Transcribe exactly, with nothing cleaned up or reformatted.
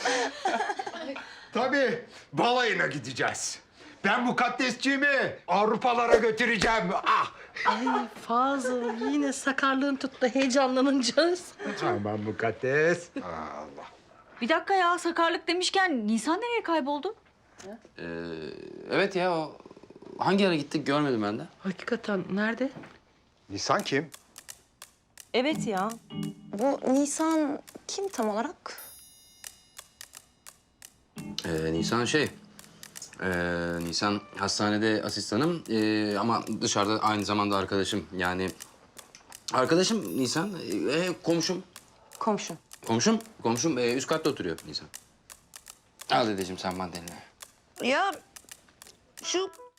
Tabii balayına gideceğiz. Ben mukaddesciğimi Avrupalara götüreceğim. Ah! Ay Fazıl yine sakarlığın tuttu heyecanlanınca. Aman mukaddes. Allah. Bir dakika ya, sakarlık demişken Nisan nereye kayboldu? Ee, evet ya, o hangi ara gittik görmedim ben de. Hakikaten nerede? Nisan kim? Evet ya. Bu Nisan kim tam olarak? Ee, Nisan şey, ee, Nisan hastanede asistanım ee, ama dışarıda aynı zamanda arkadaşım. Yani arkadaşım Nisan, ee, komşum. Komşun. Komşum, komşum ee, üst katta oturuyor Nisan. Al dedeciğim sen mandalini. Ya şu